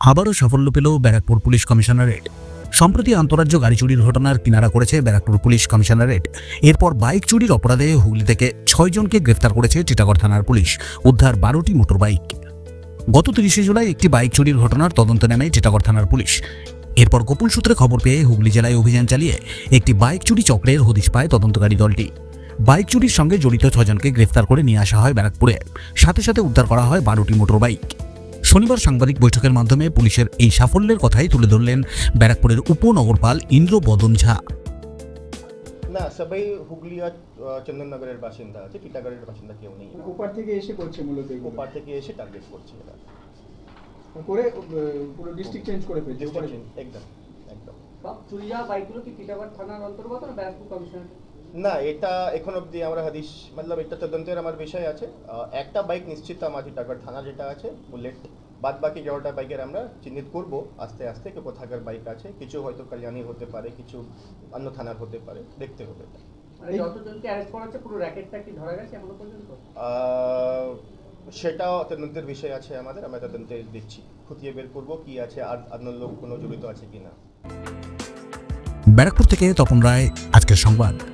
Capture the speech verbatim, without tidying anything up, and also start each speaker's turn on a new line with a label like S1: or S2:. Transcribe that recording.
S1: আবারও সাফল্য পেল ব্যারাকপুর পুলিশ কমিশনারেট। সম্প্রতি আন্তঃরাজ্য গাড়ি চুরির ঘটনার কিনারা করেছে ব্যারাকপুর পুলিশ কমিশনারেট। এরপর বাইক চুরির অপরাধে হুগলি থেকে ছয়জনকে গ্রেফতার করেছে টিটাগড় থানার পুলিশ। উদ্ধার বারোটি মোটর বাইক। গত তিরিশে জুলাই একটি বাইক চুরির ঘটনার তদন্ত নেয় টিটাগড় থানার পুলিশ। এরপর গোপন সূত্রে খবর পেয়ে হুগলি জেলায় অভিযান চালিয়ে একটি বাইক চুরি চক্রের হদিশ পায় তদন্তকারী দলটি। বাইক চুরির সঙ্গে জড়িত ছজনকে গ্রেফতার করে নিয়ে আসা হয় ব্যারাকপুরে। সাথে সাথে উদ্ধার করা হয় বারোটি মোটর বাইক। শনিবার সাংবাদিক বৈঠকের মাধ্যমে পুলিশের এই সাফল্যের কথাই তুলে ধরলেন ব্যারাকপুরের উপনগরপাল ইন্দ্র বদন ঝা।
S2: না, সবাই হুগলি আর চন্দননগরের বাসিন্দা আছে, টিটাগড়ের বাসিন্দা কেউ নেই।
S3: ওপার থেকে এসে করছে মূলত এগুলো।
S2: ওপার থেকে এসে টার্গেট করছে এরা
S3: করে আহ, পুরো ডিস্ট্রিক্ট চেঞ্জ করে ফেলছে ওপারে।
S2: একদম একদম
S4: সব চুরি যাওয়া বাইকগুলো কি টিটাগড় থানার অন্তর্গত না ব্যারাকপুর কমিশনার?
S2: না, এটা এখন অবধি আমরা হাদিস মতলব এটা তদন্তের আমার বিষয় আছে। আহ, একটা বাইক নিশ্চিত আমার টিটাগড় থানা যেটা আছে বুলেট, বাদ বাকি এগারোটা বাইকের আমরা চিহ্নিত করব আস্তে আস্তে কে কোথাকার বাইক আছে। কিছু হয়তো কালিয়ানি হতে পারে, কিছু অন্য থানার হতে পারে, দেখতে হবে।
S4: মানে যতজনকে অ্যারেস্ট করা হচ্ছে পুরো র্যাকেটটা কি ধরা গেছে এখনো পর্যন্ত?
S2: আহ, সেটাও তদন্তের বিষয় আছে আমাদের, আমরা তদন্তে দিচ্ছি, খুঁটিয়ে বের করবো কি আছে আর অন্য লোক কোনো জড়িত আছে কিনা।
S1: ব্যারাকপুর থেকে তপন রায়, আজকের সংবাদ।